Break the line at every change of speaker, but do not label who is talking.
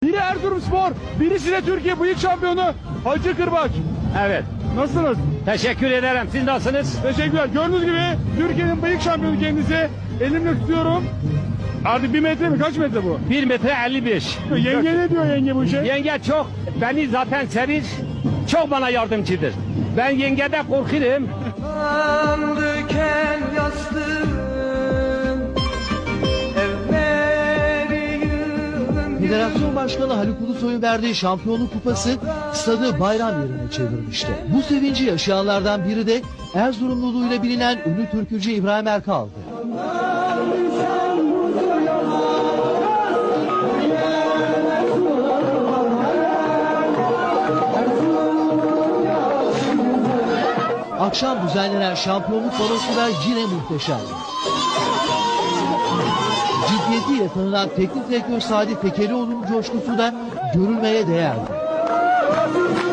Biri Erzurumspor, birisi de Türkiye bıyık şampiyonu Hacı Kırbaç.
Evet.
Nasılsınız?
Teşekkür ederim. Siz nasılsınız?
Teşekkürler. Gördüğünüz gibi Türkiye'nin bıyık şampiyonu kendisi. Elimle tutuyorum. Artık 1 metre mi? Kaç metre bu?
1 metre 55.
Yenge ne diyor yenge bu işe?
Yenge çok, beni zaten sever, çok bana yardımcıdır. Ben yengede korkarım.
Diken yastığım, evleri yığın
Federasyon Başkanı Haluk Ulusoy'un verdiği şampiyonluk kupası stadı bayram yerine çevirmişti. Bu sevinci yaşayanlardan biri de Erzurumluluğuyla bilinen ünlü türkücü İbrahim Erkal'dı. Akşam düzenlenen şampiyonluk balosu da yine muhteşemdi. Ciddiyetiyle tanınan teknik direktör Sadi Tekelioğlu'nun coşkusu da görülmeye değerdi.